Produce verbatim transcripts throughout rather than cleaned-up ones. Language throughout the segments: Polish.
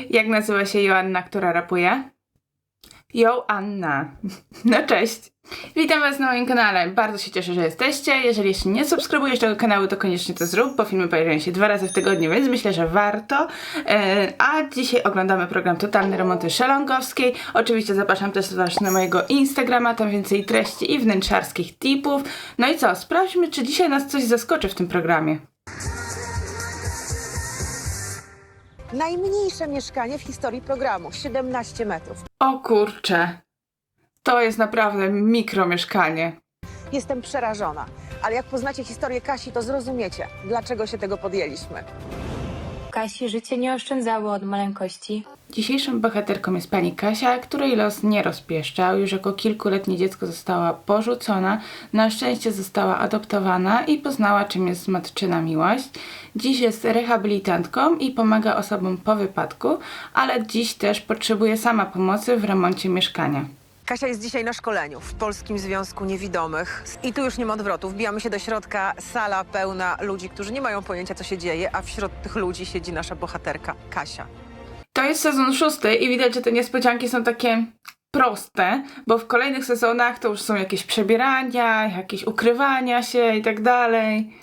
Jak nazywa się Joanna, która rapuje? Joanna. No cześć. Witam was na moim kanale. Bardzo się cieszę, że jesteście. Jeżeli jeszcze nie subskrybujesz tego kanału, to koniecznie to zrób, bo filmy pojawiają się dwa razy w tygodniu, więc myślę, że warto. E, a dzisiaj oglądamy program Totalne Remonty Szelongowskiej. Oczywiście zapraszam też was na mojego Instagrama, tam więcej treści i wnętrzarskich tipów. No i co? Sprawdźmy, czy dzisiaj nas coś zaskoczy w tym programie. Najmniejsze mieszkanie w historii programu, siedemnaście metrów. O kurcze. To jest naprawdę mikromieszkanie. Jestem przerażona, ale jak poznacie historię Kasi, to zrozumiecie, dlaczego się tego podjęliśmy. Kasi życie nie oszczędzało od maleńkości. Dzisiejszą bohaterką jest pani Kasia, której los nie rozpieszczał. Już jako kilkuletnie dziecko została porzucona, na szczęście została adoptowana i poznała, czym jest matczyna miłość. Dziś jest rehabilitantką i pomaga osobom po wypadku, ale dziś też potrzebuje sama pomocy w remoncie mieszkania. Kasia jest dzisiaj na szkoleniu w Polskim Związku Niewidomych. I tu już nie ma odwrotu. Wbijamy się do środka, sala pełna ludzi, którzy nie mają pojęcia, co się dzieje, a wśród tych ludzi siedzi nasza bohaterka, Kasia. To jest sezon szósty i widać, że te niespodzianki są takie proste, bo w kolejnych sezonach to już są jakieś przebierania, jakieś ukrywania się i tak dalej.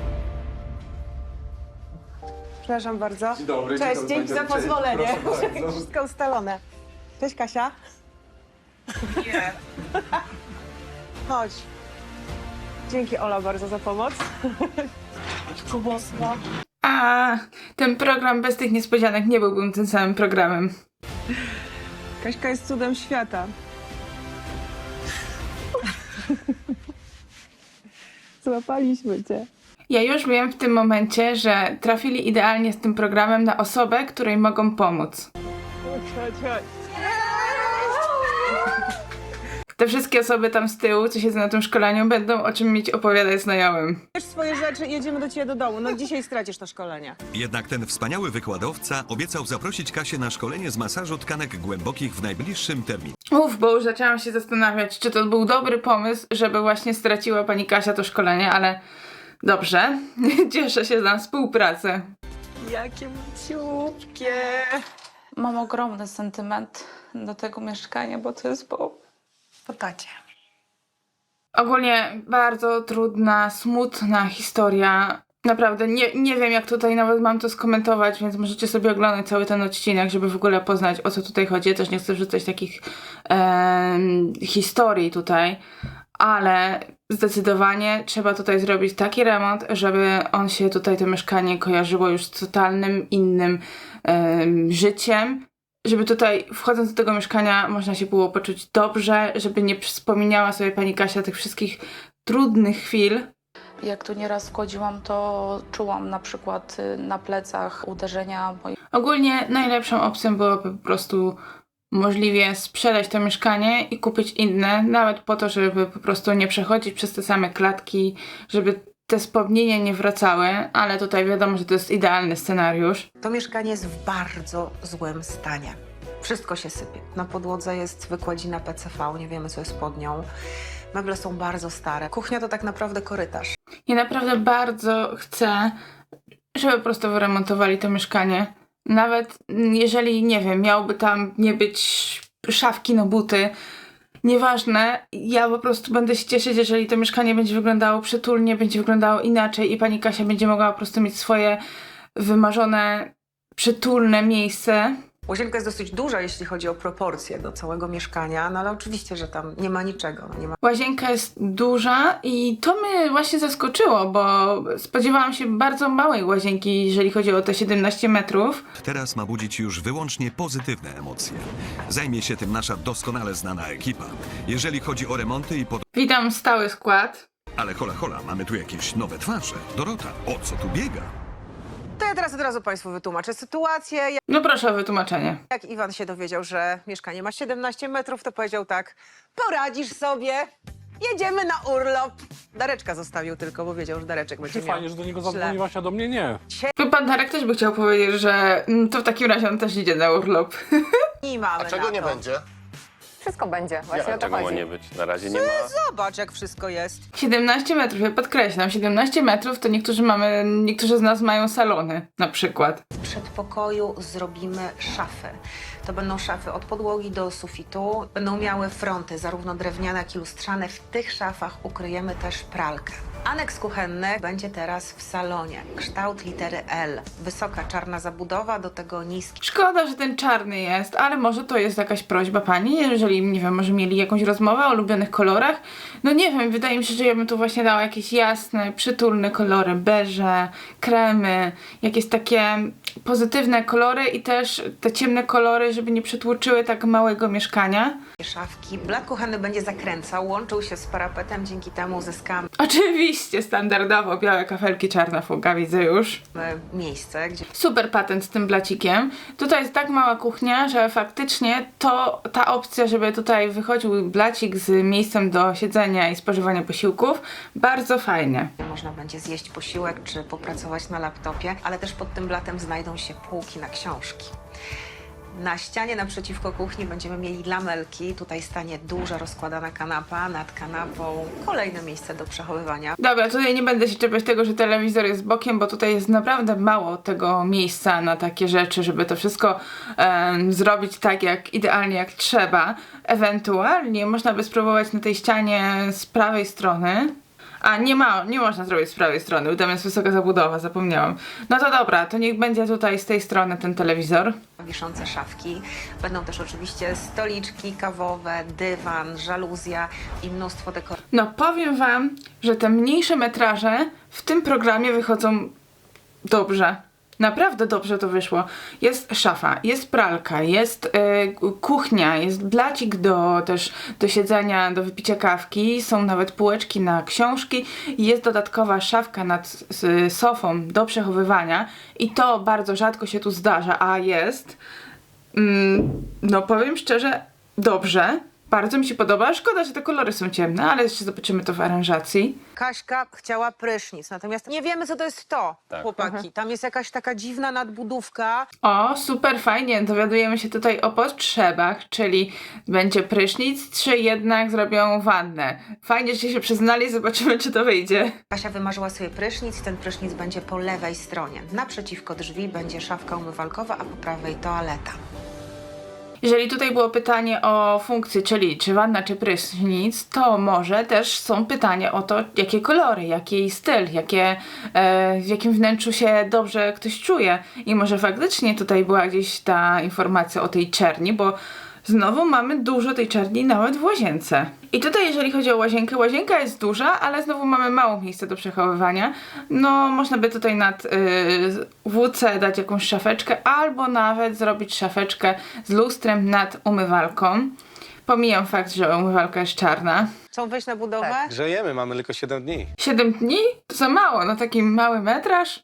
Przepraszam bardzo. Dzień dobry, Cześć, dzień dzięki dobry, za cześć. pozwolenie. Proszę bardzo. Wszystko ustalone. Cześć, Kasia. Nie. Chodź. Dzięki, Ola, bardzo za pomoc. A ten program bez tych niespodzianek nie byłbym tym samym programem. Kaśka jest cudem świata. Złapaliśmy cię. Ja już wiem w tym momencie, że trafili idealnie z tym programem na osobę, której mogą pomóc. Chodź, chodź. Te wszystkie osoby tam z tyłu, co siedzą na tym szkoleniu, będą o czym mieć opowiadać znajomym. Bierz swoje rzeczy i jedziemy do ciebie do domu. No dzisiaj stracisz to szkolenie. Jednak ten wspaniały wykładowca obiecał zaprosić Kasię na szkolenie z masażu tkanek głębokich w najbliższym terminie. Uf, bo już zaczęłam się zastanawiać, czy to był dobry pomysł, żeby właśnie straciła pani Kasia to szkolenie, ale dobrze. Cieszę się na współpracę. Jakie ciupkie. Mam ogromny sentyment do tego mieszkania, bo to jest po, po tacie. Ogólnie bardzo trudna, smutna historia. Naprawdę nie, nie wiem, jak tutaj nawet mam to skomentować, więc możecie sobie oglądać cały ten odcinek, żeby w ogóle poznać, o co tutaj chodzi. Ja też nie chcę wrzucać takich e, historii tutaj, ale zdecydowanie trzeba tutaj zrobić taki remont, żeby on się tutaj, to mieszkanie kojarzyło już z totalnym innym e, życiem. Żeby tutaj, wchodząc do tego mieszkania, można się było poczuć dobrze, żeby nie wspominała sobie pani Kasia tych wszystkich trudnych chwil. Jak tu nieraz wchodziłam, to czułam na przykład na plecach uderzenia moich. Ogólnie najlepszą opcją byłoby po prostu możliwie sprzedać to mieszkanie i kupić inne, nawet po to, żeby po prostu nie przechodzić przez te same klatki, żeby te wspomnienia nie wracały, ale tutaj wiadomo, że to jest idealny scenariusz. To mieszkanie jest w bardzo złym stanie. Wszystko się sypie. Na podłodze jest wykładzina P C V, nie wiemy, co jest pod nią. Meble są bardzo stare. Kuchnia to tak naprawdę korytarz. Ja naprawdę bardzo chcę, żeby po prostu wyremontowali to mieszkanie. Nawet jeżeli, nie wiem, miałby tam nie być szafki na buty, nieważne, ja po prostu będę się cieszyć, jeżeli to mieszkanie będzie wyglądało przytulnie, będzie wyglądało inaczej i pani Kasia będzie mogła po prostu mieć swoje wymarzone, przytulne miejsce. Łazienka jest dosyć duża, jeśli chodzi o proporcje do całego mieszkania, no ale oczywiście, że tam nie ma niczego. No nie ma... Łazienka jest duża i to mnie właśnie zaskoczyło, bo spodziewałam się bardzo małej łazienki, jeżeli chodzi o te siedemnaście metrów. Teraz ma budzić już wyłącznie pozytywne emocje. Zajmie się tym nasza doskonale znana ekipa. Jeżeli chodzi o remonty i pod... Witam stały skład. Ale hola hola, mamy tu jakieś nowe twarze. Dorota, o co tu biega? To ja teraz od razu Państwu wytłumaczę sytuację. No proszę o wytłumaczenie. Jak Iwan się dowiedział, że mieszkanie ma siedemnaście metrów, to powiedział tak: poradzisz sobie, jedziemy na urlop. Dareczka zostawił tylko, bo wiedział, że Dareczek będzie miał. Fajnie, że do niego źle. zadzwoniłaś, a do mnie nie. Chyba pan Darek też by chciał powiedzieć, że mm, to w takim razie on też idzie na urlop. I mamy A czego na nie to. będzie? wszystko będzie. Właśnie Ja, o to czego ma chodzi. nie być? Na razie nie ma. Zobacz, jak wszystko jest. siedemnaście metrów, ja podkreślam, siedemnaście metrów to niektórzy mamy, niektórzy z nas mają salony na przykład. W przedpokoju zrobimy szafy. To będą szafy od podłogi do sufitu. Będą miały fronty, zarówno drewniane, jak i lustrzane. W tych szafach ukryjemy też pralkę. Aneks kuchenny będzie teraz w salonie. Kształt litery L. Wysoka czarna zabudowa, do tego niski. Szkoda, że ten czarny jest, ale może to jest jakaś prośba pani, jeżeli, nie wiem, może mieli jakąś rozmowę o ulubionych kolorach. No nie wiem, wydaje mi się, że ja bym tu właśnie dała jakieś jasne, przytulne kolory, beże, kremy, jakieś takie pozytywne kolory i też te ciemne kolory, żeby nie przytłoczyły tak małego mieszkania. Szafki. Blat kuchenny będzie zakręcał, łączył się z parapetem, dzięki temu uzyskamy Oczywiście, standardowo, białe kafelki, czarna fuga, widzę już. miejsce, gdzie Super patent z tym blacikiem. Tutaj jest tak mała kuchnia, że faktycznie to ta opcja, żeby tutaj wychodził blacik z miejscem do siedzenia i spożywania posiłków, bardzo fajnie. można będzie zjeść posiłek czy popracować na laptopie, ale też pod tym blatem znajdą się półki na książki. Na ścianie naprzeciwko kuchni będziemy mieli lamelki. Tutaj stanie duża rozkładana kanapa, nad kanapą kolejne miejsce do przechowywania. Dobra, tutaj nie będę się czepiać tego, że telewizor jest bokiem, bo tutaj jest naprawdę mało tego miejsca na takie rzeczy, żeby to wszystko em, zrobić tak jak idealnie jak trzeba. Ewentualnie można by spróbować na tej ścianie z prawej strony. A nie ma, nie można zrobić z prawej strony, bo tam jest wysoka zabudowa, zapomniałam. No to dobra, to niech będzie tutaj z tej strony ten telewizor. Wiszące szafki. Będą też oczywiście stoliczki kawowe, dywan, żaluzja i mnóstwo dekoracji. No powiem wam, że te mniejsze metraże w tym programie wychodzą dobrze. Naprawdę dobrze to wyszło. Jest szafa, jest pralka, jest y, kuchnia, jest blacik do też do siedzenia, do wypicia kawki, są nawet półeczki na książki, jest dodatkowa szafka nad z, sofą do przechowywania i to bardzo rzadko się tu zdarza, a jest. Mm, no powiem szczerze, dobrze. Bardzo mi się podoba. Szkoda, że te kolory są ciemne, ale jeszcze zobaczymy to w aranżacji. Kaśka chciała prysznic, natomiast nie wiemy, co to jest to, Tak. chłopaki. Tam jest jakaś taka dziwna nadbudówka. O, super fajnie. Dowiadujemy się tutaj o potrzebach, czyli będzie prysznic, czy jednak zrobią wannę. Fajnie, że się przyznali, zobaczymy, czy to wyjdzie. Kasia wymarzyła sobie prysznic, ten prysznic będzie po lewej stronie. Naprzeciwko drzwi będzie szafka umywalkowa, a po prawej toaleta. Jeżeli tutaj było pytanie o funkcję, czyli czy wanna, czy prysznic, to może też są pytania o to, jakie kolory, jaki styl, jakie, e, w jakim wnętrzu się dobrze ktoś czuje. I może faktycznie tutaj była gdzieś ta informacja o tej czerni, bo znowu mamy dużo tej czerni nawet w łazience. I tutaj jeżeli chodzi o łazienkę, łazienka jest duża, ale znowu mamy mało miejsca do przechowywania. No można by tutaj nad yy, W C dać jakąś szafeczkę, albo nawet zrobić szafeczkę z lustrem nad umywalką. Pomijam fakt, że umywalka jest czarna. Chcą wejść na budowę? Grzejemy, mamy tylko siedem dni. siedem dni? To za mało, no taki mały metraż.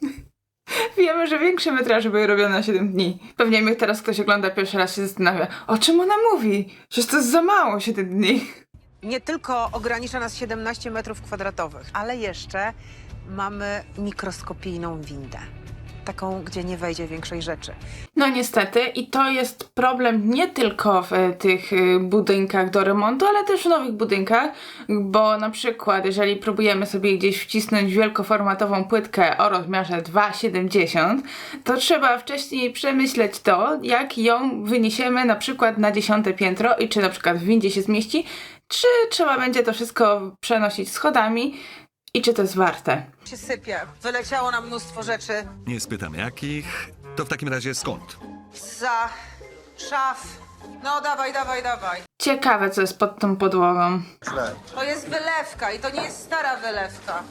Wiemy, że większe metraże były robione na siedem dni. Pewnie mnie teraz ktoś ogląda pierwszy raz się zastanawia, o czym ona mówi? Przecież to jest za mało siedem dni. Nie tylko ogranicza nas siedemnaście metrów kwadratowych, ale jeszcze mamy mikroskopijną windę. Taką, gdzie nie wejdzie większej rzeczy. No niestety i to jest problem nie tylko w e, tych e, budynkach do remontu, ale też w nowych budynkach, bo na przykład jeżeli próbujemy sobie gdzieś wcisnąć wielkoformatową płytkę o rozmiarze dwa siedemdziesiąt, to trzeba wcześniej przemyśleć to, jak ją wyniesiemy na przykład na dziesiąte piętro i czy na przykład w windzie się zmieści, czy trzeba będzie to wszystko przenosić schodami i czy to jest warte. Się sypie. Wyleciało nam mnóstwo rzeczy. Nie spytam jakich. To w takim razie skąd? Za szaf. No dawaj, dawaj, dawaj. Ciekawe, co jest pod tą podłogą. To jest wylewka i to nie jest stara wylewka.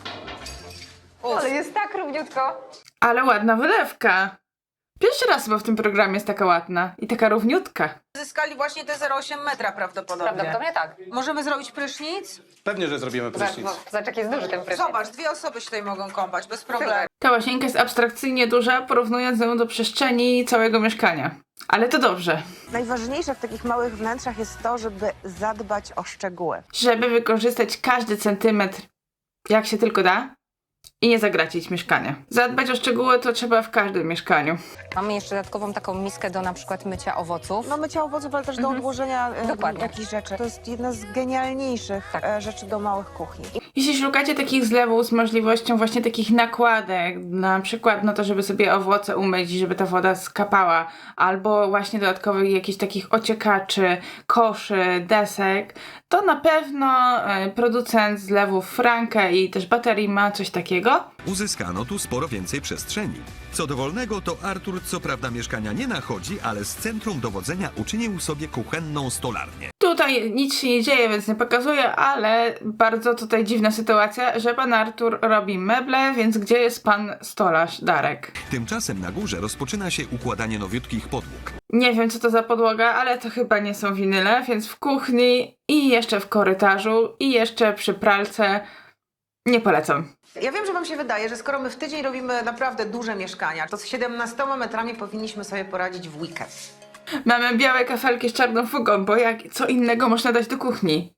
Uf. Ale jest tak równiutko. Ale ładna wylewka. Pierwszy raz chyba w tym programie jest taka ładna i taka równiutka. Zyskali właśnie te zero przecinek osiem metra prawdopodobnie. Prawdopodobnie tak. Możemy zrobić prysznic? Pewnie, że zrobimy prysznic. Zobacz, jak jest duży ten prysznic. Zobacz, dwie osoby się tutaj mogą kąpać, bez problemu. Ta łazienka jest abstrakcyjnie duża, porównując ją do przestrzeni całego mieszkania. Ale to dobrze. Najważniejsze w takich małych wnętrzach jest to, żeby zadbać o szczegóły. Żeby wykorzystać każdy centymetr jak się tylko da, i nie zagracić mieszkania. Zadbać o szczegóły to trzeba w każdym mieszkaniu. Mamy jeszcze dodatkową taką miskę do na przykład mycia owoców. No mycia owoców, ale też do odłożenia e, Dokładnie. jakichś rzeczy. To jest jedna z genialniejszych Tak. e, rzeczy do małych kuchni. Jeśli szukacie takich zlewów z możliwością właśnie takich nakładek, na przykład no to, żeby sobie owoce umyć, żeby ta woda skapała, albo właśnie dodatkowych jakichś takich ociekaczy, koszy, desek, to na pewno e, producent zlewów Franke i też baterii ma coś takiego. Uzyskano tu sporo więcej przestrzeni. Co do wolnego, to Artur co prawda mieszkania nie nachodzi, ale z centrum dowodzenia uczynił sobie kuchenną stolarnię. Tutaj nic się nie dzieje, więc nie pokazuję, ale bardzo tutaj dziwna sytuacja, że pan Artur robi meble, więc gdzie jest pan stolarz Darek? Tymczasem na górze rozpoczyna się układanie nowiutkich podłóg. Nie wiem, co to za podłoga, ale to chyba nie są winyle, więc w kuchni i jeszcze w korytarzu i jeszcze przy pralce nie polecam. Ja wiem, że wam się wydaje, że skoro my w tydzień robimy naprawdę duże mieszkania, to z siedemnastoma metrami powinniśmy sobie poradzić w weekend. Mamy białe kafelki z czarną fugą, bo jak co innego można dać do kuchni?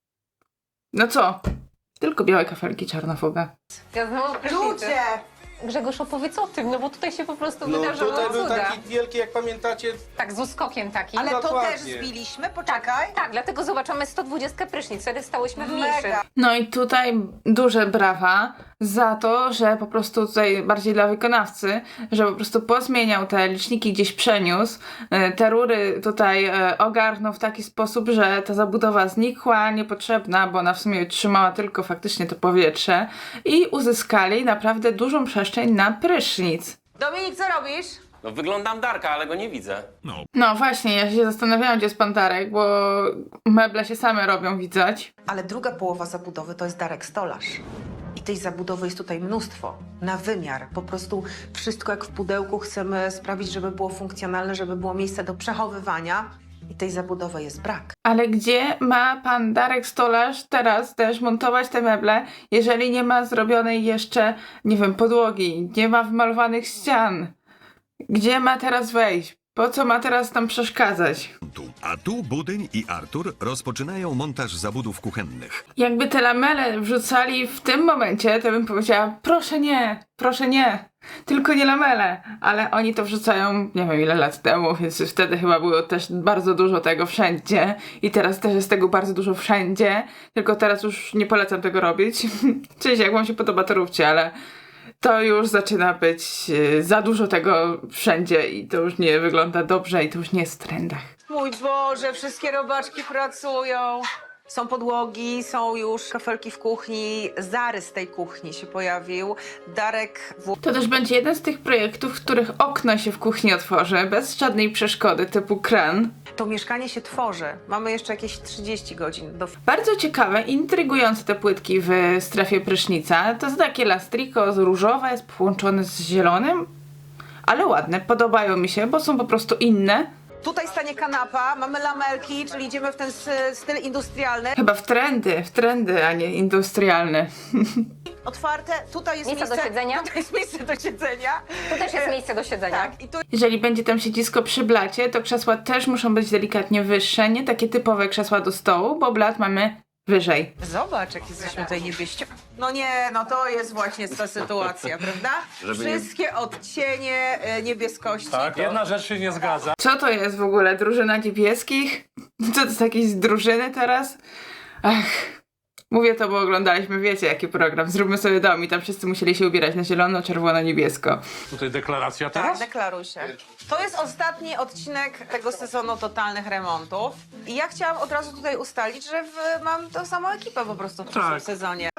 No co? Tylko białe kafelki, czarna fuga. Ja znowu Ludzie! Grzegorz, opowiedz o tym, no bo tutaj się po prostu No wydarzyło tutaj był cuda. taki wielki, jak pamiętacie, Tak, z uskokiem takim. Ale to Dokładnie. też zbiliśmy, poczekaj. Tak, dlatego zobaczymy sto dwudziestkę prysznic, wtedy stałyśmy w mniejszych. Mega. No i tutaj duże brawa za to, że po prostu tutaj bardziej dla wykonawcy, że po prostu pozmieniał te liczniki, gdzieś przeniósł, e, te rury tutaj e, ogarnął w taki sposób, że ta zabudowa znikła, niepotrzebna, bo ona w sumie trzymała tylko faktycznie to powietrze i uzyskali naprawdę dużą przestrzeń na prysznic. Dominik, co robisz? No wyglądam Darka, ale go nie widzę. No właśnie, ja się zastanawiałam, gdzie jest pan Darek, bo meble się same robią, widać. Ale druga połowa zabudowy to jest Darek Stolarz. I tej zabudowy jest tutaj mnóstwo, na wymiar. Po prostu wszystko jak w pudełku chcemy sprawić, żeby było funkcjonalne, żeby było miejsce do przechowywania. I tej zabudowy jest brak. Ale gdzie ma pan Darek Stolarz teraz też montować te meble, jeżeli nie ma zrobionej jeszcze, nie wiem, podłogi, nie ma wymalowanych ścian? Gdzie ma teraz wejść? Po co ma teraz tam przeszkadzać? Tu. A tu Budyń i Artur rozpoczynają montaż zabudów kuchennych. Jakby te lamele wrzucali w tym momencie, to bym powiedziała, proszę nie, proszę nie, tylko nie lamele. Ale oni to wrzucają, nie wiem ile lat temu, więc wtedy chyba było też bardzo dużo tego wszędzie. I teraz też jest tego bardzo dużo wszędzie, tylko teraz już nie polecam tego robić. Czyli jak wam się podoba, to róbcie, ale to już zaczyna być yy, za dużo tego wszędzie i to już nie wygląda dobrze i to już nie jest w trendach. Mój Boże, wszystkie robaczki pracują. Są podłogi, są już kafelki w kuchni, zarys tej kuchni się pojawił. Darek w... To też będzie jeden z tych projektów, w których okno się w kuchni otworzy, bez żadnej przeszkody, typu kran. To mieszkanie się tworzy. Mamy jeszcze jakieś trzydzieści godzin do... Bardzo ciekawe, intrygujące te płytki w strefie prysznica. To jest takie lastriko z różowe, jest połączone z zielonym, ale ładne, podobają mi się, bo są po prostu inne. Tutaj stanie kanapa, mamy lamelki, czyli idziemy w ten s- styl industrialny. Chyba w trendy, w trendy, a nie industrialne. Otwarte, tutaj jest Miejsce miejsce... do siedzenia? Tutaj jest miejsce do siedzenia. Tu też jest miejsce do siedzenia. Tak, i tu Jeżeli będzie tam siedzisko przy blacie, to krzesła też muszą być delikatnie wyższe, nie takie typowe krzesła do stołu, bo blat mamy wyżej. Zobacz, jak jesteśmy tutaj niebieści. No nie, no to jest właśnie ta sytuacja, prawda? Wszystkie odcienie e, niebieskości. tak, jedna rzecz się nie zgadza. Co to jest w ogóle? Drużyna niebieskich? Co to jest jakieś drużyny teraz? Ach, mówię to, bo oglądaliśmy, wiecie jaki program. Zróbmy sobie dom i tam wszyscy musieli się ubierać na zielono, czerwono, niebiesko. Tutaj deklaracja Tak, teraz? deklaruj się. To jest ostatni odcinek tego sezonu totalnych remontów. I ja chciałam od razu tutaj ustalić, że w, mam tą samą ekipę po prostu w przyszłym Tak. sezonie.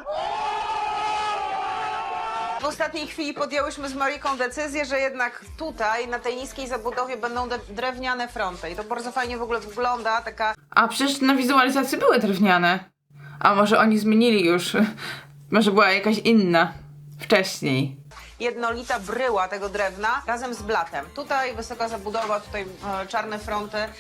W ostatniej chwili podjęłyśmy z Mariką decyzję, że jednak tutaj, na tej niskiej zabudowie będą de- drewniane fronty. I to bardzo fajnie w ogóle wygląda, taka... A przecież na wizualizacji były drewniane. A może oni zmienili już? Może była jakaś inna wcześniej. jednolita bryła tego drewna razem z blatem. Tutaj wysoka zabudowa, tutaj e, czarne fronty.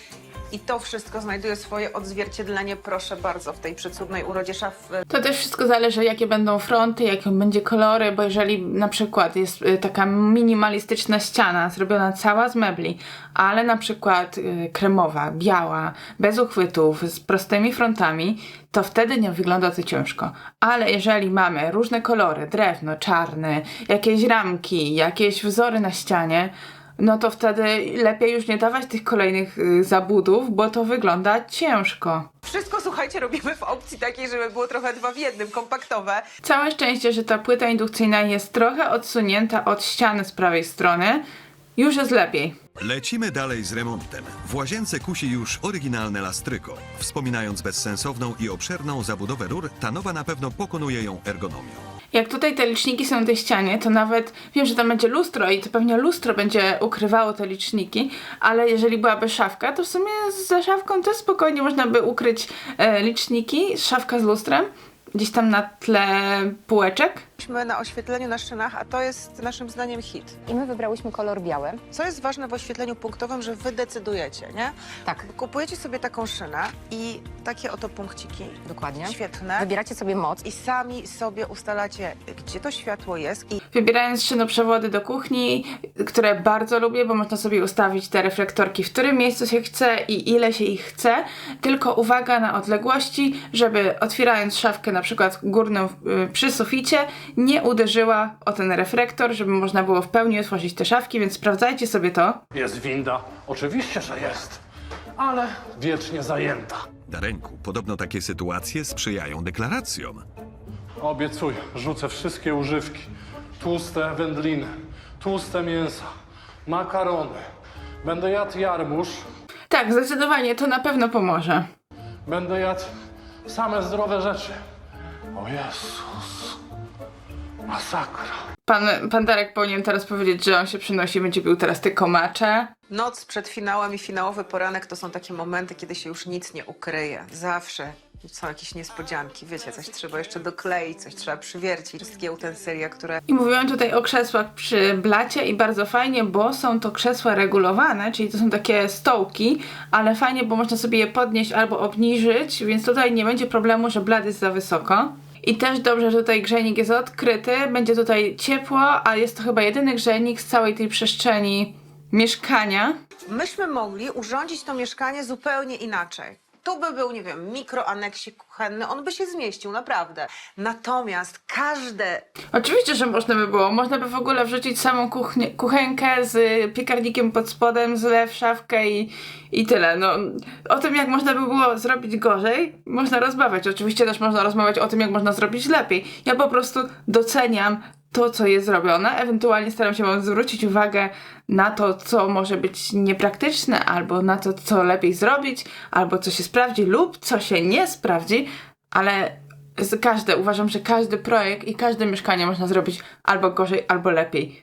I to wszystko znajduje swoje odzwierciedlenie, proszę bardzo, w tej przecudnej urodzie szafy. To też wszystko zależy, jakie będą fronty, jakie będzie kolory, bo jeżeli na przykład jest y, taka minimalistyczna ściana, zrobiona cała z mebli, ale na przykład y, kremowa, biała, bez uchwytów, z prostymi frontami, to wtedy nie wygląda to ciężko. Ale jeżeli mamy różne kolory, drewno, czarny, jakieś ramki, jakieś wzory na ścianie, no to wtedy lepiej już nie dawać tych kolejnych y, zabudów, bo to wygląda ciężko. Wszystko, słuchajcie, robimy w opcji takiej, żeby było trochę dwa w jednym, kompaktowe. Całe szczęście, że ta płyta indukcyjna jest trochę odsunięta od ściany z prawej strony. Już jest lepiej. Lecimy dalej z remontem. W łazience kusi już oryginalne lastryko. Wspominając bezsensowną i obszerną zabudowę rur, ta nowa na pewno pokonuje ją ergonomią. Jak tutaj te liczniki są na tej ścianie, to nawet wiem, że tam będzie lustro i to pewnie lustro będzie ukrywało te liczniki, ale jeżeli byłaby szafka, to w sumie za szafką też spokojnie można by ukryć e, liczniki, szafka z lustrem, gdzieś tam na tle półeczek. Jesteśmy na oświetleniu na szynach, a to jest naszym zdaniem hit. I my wybrałyśmy kolor biały. Co jest ważne w oświetleniu punktowym, że wy decydujecie, nie? Tak, Kupujecie sobie taką szynę i takie oto punkciki, dokładnie. świetne, Wybieracie sobie moc. i sami sobie ustalacie, gdzie to światło jest i Wybierając szynoprzewody do kuchni, które bardzo lubię, bo można sobie ustawić te reflektorki, w którym miejscu się chce i ile się ich chce. Tylko uwaga na odległości, żeby otwierając szafkę na przykład górną y, przy suficie, nie uderzyła o ten reflektor, żeby można było w pełni otworzyć te szafki, więc sprawdzajcie sobie to. Jest winda. Oczywiście, że jest. Ale wiecznie zajęta. Dareńku, podobno takie sytuacje sprzyjają deklaracjom. Obiecuję, rzucę wszystkie używki. Tłuste wędliny, tłuste mięsa, makarony. Będę jadł jarmuż, Tak, zdecydowanie to na pewno pomoże. będę jadł same zdrowe rzeczy. O Jezus. Masakra. Pan, pan Darek powinien teraz powiedzieć, że on się przynosi, będzie pił teraz te komacze. Noc przed finałem i finałowy poranek to są takie momenty, kiedy się już nic nie ukryje. Zawsze są jakieś niespodzianki. Wiecie, coś trzeba jeszcze dokleić, coś trzeba przywiercić. Wszystkie utensylia, które... I mówiłam tutaj o krzesłach przy blacie i bardzo fajnie, bo są to krzesła regulowane, czyli to są takie stołki, ale fajnie, bo można sobie je podnieść albo obniżyć, więc tutaj nie będzie problemu, że blat jest za wysoko. I też dobrze, że tutaj grzejnik jest odkryty, będzie tutaj ciepło, a jest to chyba jedyny grzejnik z całej tej przestrzeni mieszkania. Myśmy mogli urządzić to mieszkanie zupełnie inaczej. Tu by był, nie wiem, mikroaneksik kuchenny, on by się zmieścił, naprawdę. Natomiast każde... Oczywiście, że można by było. Można by w ogóle wrzucić samą kuchnię, kuchenkę z piekarnikiem pod spodem, zlew, szafkę i, i tyle. No, o tym, jak można by było zrobić gorzej, można rozmawiać. Oczywiście też można rozmawiać o tym, jak można zrobić lepiej. Ja po prostu doceniam to, co jest zrobione. Ewentualnie staram się wam zwrócić uwagę na to, co może być niepraktyczne, albo na to, co lepiej zrobić, albo co się sprawdzi, lub co się nie sprawdzi, ale z każde, uważam, że każdy projekt i każde mieszkanie można zrobić albo gorzej, albo lepiej.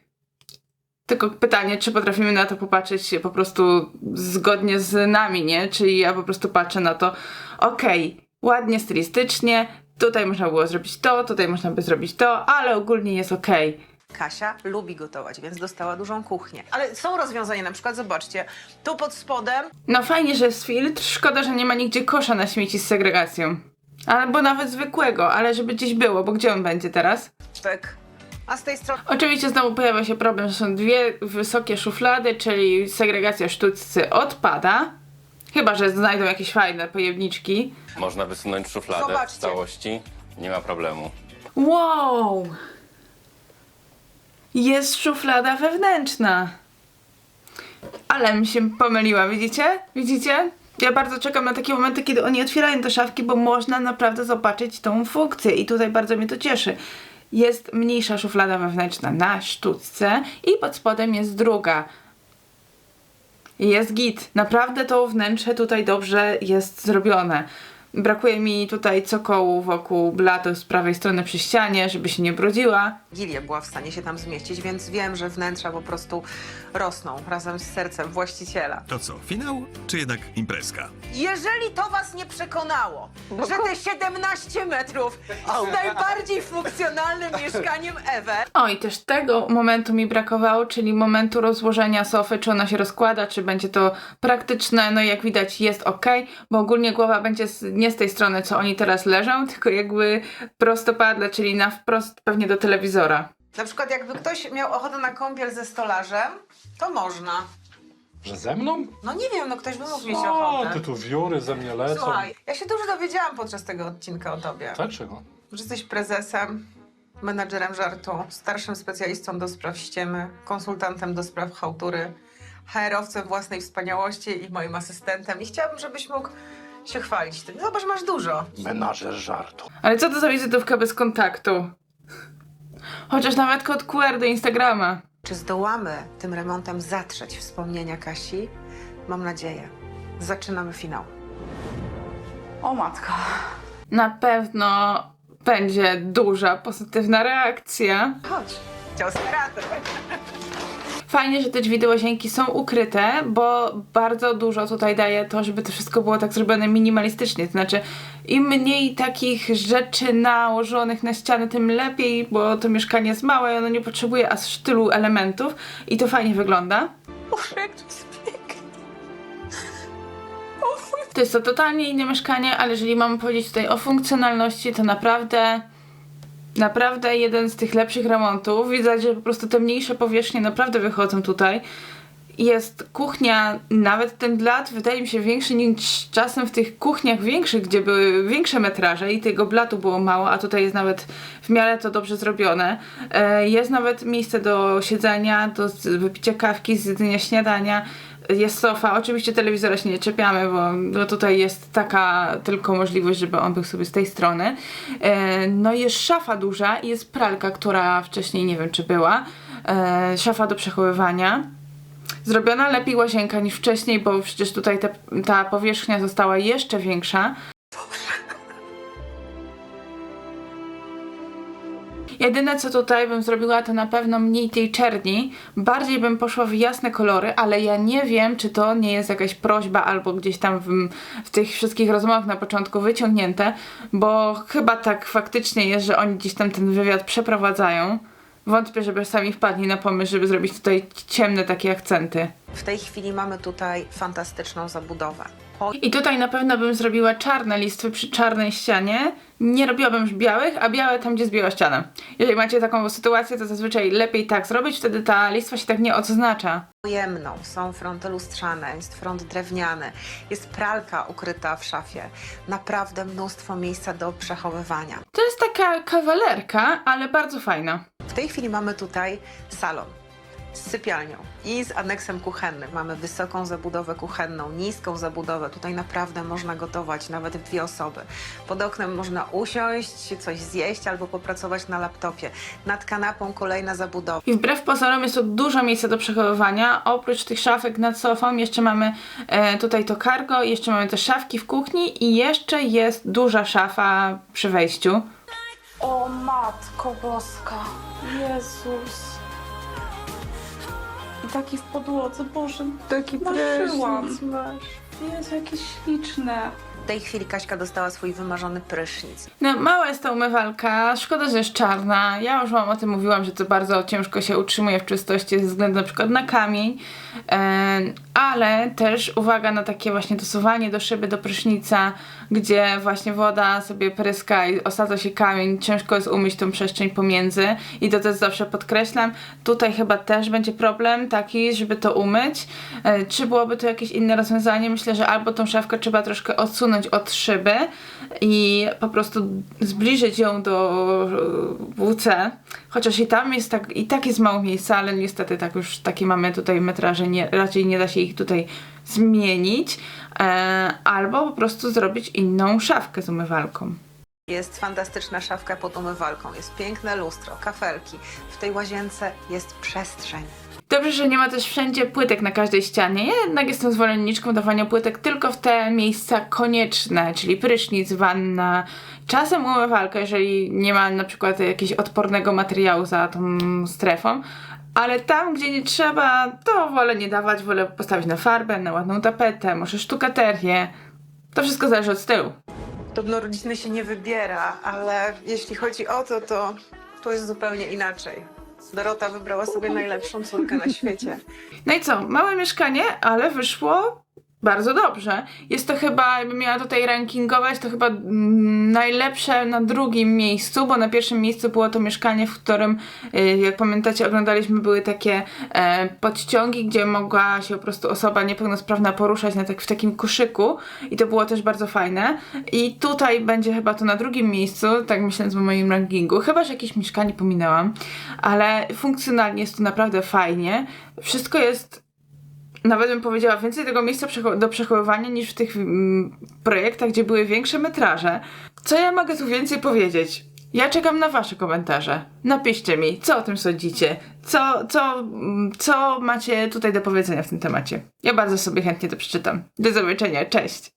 Tylko pytanie, czy potrafimy na to popatrzeć po prostu zgodnie z nami, nie? Czyli ja po prostu patrzę na to, okej, okay, ładnie, stylistycznie, tutaj można było zrobić to, tutaj można by zrobić to, ale ogólnie jest okej. Okay. Kasia lubi gotować, więc dostała dużą kuchnię. Ale są rozwiązania, na przykład, zobaczcie, tu pod spodem... No fajnie, że jest filtr, szkoda, że nie ma nigdzie kosza na śmieci z segregacją. Albo nawet zwykłego, ale żeby gdzieś było, bo gdzie on będzie teraz? Tak. A z tej strony... Oczywiście znowu pojawia się problem, że są dwie wysokie szuflady, czyli segregacja sztućcy odpada. Chyba że znajdą jakieś fajne pojemniczki. Można wysunąć szufladę Zobaczcie. w całości, nie ma problemu. Wow! Jest szuflada wewnętrzna. Ale mi się pomyliła, widzicie? Widzicie? Ja bardzo czekam na takie momenty, kiedy oni otwierają te szafki, bo można naprawdę zobaczyć tą funkcję i tutaj bardzo mnie to cieszy. Jest mniejsza szuflada wewnętrzna na sztućce i pod spodem jest druga. Jest git. Naprawdę to wnętrze tutaj dobrze jest zrobione. Brakuje mi tutaj cokołu wokół blatu z prawej strony przy ścianie, żeby się nie brudziła. Gilia była w stanie się tam zmieścić, więc wiem, że wnętrza po prostu rosną razem z sercem właściciela. To co, finał czy jednak imprezka? Jeżeli to was nie przekonało, że te siedemnaście metrów jest najbardziej funkcjonalnym mieszkaniem ever, O, i też tego momentu mi brakowało, czyli momentu rozłożenia sofy, czy ona się rozkłada, czy będzie to praktyczne. No i jak widać jest ok, bo ogólnie głowa będzie z, nie z tej strony, co oni teraz leżą, tylko jakby prostopadle, czyli na wprost pewnie do telewizora. na przykład jakby ktoś miał ochotę na kąpiel ze stolarzem, to można. Że ze mną? No nie wiem, no ktoś by mógł mieć O, ochotę. ty tu wióry ze mnie lecą. Słuchaj, ja się dużo dowiedziałam podczas tego odcinka o tobie. Dlaczego? Że jesteś prezesem, menadżerem żartu, starszym specjalistą do spraw ściemy, konsultantem do spraw chałtury, H R-owcem własnej wspaniałości i moim asystentem. I chciałabym, żebyś mógł się chwalić tym. Zobacz, masz dużo. Menażer żartu. Ale co to za wizytówka bez kontaktu? Chociaż nawet kod Q R do Instagrama. Czy zdołamy tym remontem zatrzeć wspomnienia Kasi? Mam nadzieję. Zaczynamy finał. O matko. Na pewno będzie duża pozytywna reakcja. Chodź. Ciao, skaraty. Fajnie, że te drzwi do łazienki są ukryte, bo bardzo dużo tutaj daje to, żeby to wszystko było tak zrobione minimalistycznie. To znaczy, im mniej takich rzeczy nałożonych na ściany, tym lepiej, bo to mieszkanie jest małe i ono nie potrzebuje aż tylu elementów i to fajnie wygląda. Boże, jak to jest pięknie. To jest to totalnie inne mieszkanie, ale jeżeli mamy powiedzieć tutaj o funkcjonalności, to naprawdę... Naprawdę jeden z tych lepszych remontów. Widać, że po prostu te mniejsze powierzchnie naprawdę wychodzą tutaj. Jest kuchnia, nawet ten blat wydaje mi się większy niż czasem w tych kuchniach większych, gdzie były większe metraże i tego blatu było mało, a tutaj jest nawet w miarę to dobrze zrobione. E, jest nawet miejsce do siedzenia, do wypicia kawki, zjedzenia śniadania. Jest sofa, oczywiście telewizora się nie czepiamy, bo no tutaj jest taka tylko możliwość, żeby on był sobie z tej strony. E, no jest szafa duża i jest pralka, która wcześniej nie wiem czy była. E, szafa do przechowywania. Zrobiona lepiej łazienka niż wcześniej, bo przecież tutaj te, ta powierzchnia została jeszcze większa. Jedyne co tutaj bym zrobiła, to na pewno mniej tej czerni, bardziej bym poszła w jasne kolory, ale ja nie wiem, czy to nie jest jakaś prośba albo gdzieś tam w, w tych wszystkich rozmowach na początku wyciągnięte, bo chyba tak faktycznie jest, że oni gdzieś tam ten wywiad przeprowadzają. Wątpię, żeby sami wpadli na pomysł, żeby zrobić tutaj ciemne takie akcenty. W tej chwili mamy tutaj fantastyczną zabudowę. Po... I tutaj na pewno bym zrobiła czarne listwy przy czarnej ścianie. Nie robiłabym już białych, a białe tam, gdzie jest biała ściana. Jeżeli macie taką sytuację, to zazwyczaj lepiej tak zrobić, wtedy ta listwa się tak nie odznacza. Pojemną, są fronty lustrzane, jest front drewniany, jest pralka ukryta w szafie. Naprawdę mnóstwo miejsca do przechowywania. To jest taka kawalerka, ale bardzo fajna. W tej chwili mamy tutaj salon z sypialnią i z aneksem kuchennym. Mamy wysoką zabudowę kuchenną, niską zabudowę. Tutaj naprawdę można gotować nawet w dwie osoby. Pod oknem można usiąść, coś zjeść albo popracować na laptopie. Nad kanapą kolejna zabudowa. I wbrew pozorom jest tu dużo miejsca do przechowywania. Oprócz tych szafek nad sofą jeszcze mamy e, tutaj to cargo, jeszcze mamy te szafki w kuchni i jeszcze jest duża szafa przy wejściu. O matko boska. Jezus. I taki w podłodze, Boże, taki prysznic masz. Jezu, jakie śliczne. W tej chwili Kaśka dostała swój wymarzony prysznic. No, mała jest ta umywalka, szkoda, że jest czarna. Ja już wam o tym mówiłam, że to bardzo ciężko się utrzymuje w czystości ze względu na przykład na kamień, e, ale też uwaga na takie właśnie dosuwanie do szyby, do prysznica, gdzie właśnie woda sobie pryska i osadza się kamień. Ciężko jest umyć tą przestrzeń pomiędzy i to też zawsze podkreślam. Tutaj chyba też będzie problem taki, żeby to umyć. E, czy byłoby to jakieś inne rozwiązanie? Myślę, że albo tą szafkę trzeba troszkę odsunąć od szyby i po prostu zbliżyć ją do W C, chociaż i tam jest tak, i tak jest mało miejsca, ale niestety tak już takie mamy tutaj metraże, nie, raczej nie da się ich tutaj zmienić, e, albo po prostu zrobić inną szafkę z umywalką. Jest fantastyczna szafka pod umywalką, jest piękne lustro, kafelki. W tej łazience jest przestrzeń. Dobrze, że nie ma też wszędzie płytek na każdej ścianie. Ja jednak jestem zwolenniczką dawania płytek tylko w te miejsca konieczne, czyli prysznic, wanna, czasem umywalka, jeżeli nie ma na przykład jakiegoś odpornego materiału za tą strefą. Ale tam, gdzie nie trzeba, to wolę nie dawać, wolę postawić na farbę, na ładną tapetę, może sztukaterię. To wszystko zależy od stylu. Podobno rodziny się nie wybiera, ale jeśli chodzi o to, to to jest zupełnie inaczej. Dorota wybrała sobie najlepszą córkę na świecie. No i co? Małe mieszkanie, ale wyszło bardzo dobrze. Jest to chyba, jakbym miała tutaj rankingować, to chyba mm, najlepsze na drugim miejscu, bo na pierwszym miejscu było to mieszkanie, w którym, y, jak pamiętacie, oglądaliśmy, były takie e, podściągi, gdzie mogła się po prostu osoba niepełnosprawna poruszać na tak, w takim koszyku i to było też bardzo fajne. I tutaj będzie chyba to na drugim miejscu, tak myśląc o moim rankingu. Chyba, że jakieś mieszkanie pominęłam, ale funkcjonalnie jest to naprawdę fajnie. Wszystko jest, nawet bym powiedziała, więcej tego miejsca przecho- do przechowywania niż w tych mm, projektach, gdzie były większe metraże. Co ja mogę tu więcej powiedzieć? Ja czekam na wasze komentarze. Napiszcie mi, co o tym sądzicie. Co, co, mm, co macie tutaj do powiedzenia w tym temacie. Ja bardzo sobie chętnie to przeczytam. Do zobaczenia, cześć!